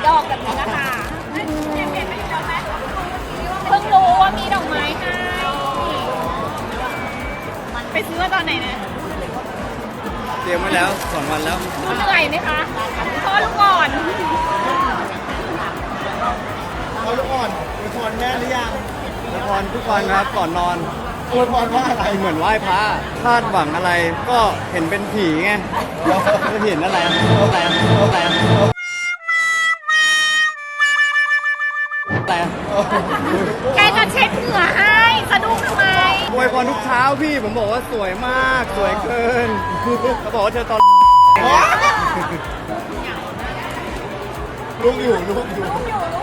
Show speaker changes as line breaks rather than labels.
ดอกแบบนี้นะคะเพิ่งรู้ว่ามีดอกไม้ให้ไปซื้อมาตอนไหนนะ
เตรียมไว้แล้ว2 วันแล้ว
ดูเหนื่อยไหมคะพ่อลูกอ่อน
เอาลูกอ่อนอวยพรแม่หรือยัง
ละครทุกวันครับก่อนนอน
อวยพรว่าอะไร
เหมือนไหว้พระคาดหวังอะไรก็เห็นเป็นผีไงจะเห็นอะไรอะไรอะไร
แกจะเช็ดเหงื่อให้สะดุ้งทำไม
อวยพรทุกเช้าพี่ผมบอกว่าสวยมากสวยเกินเขาบอกว่าเธอตอน
ลูกอยู่ลูกอยู่
ลูกอยู่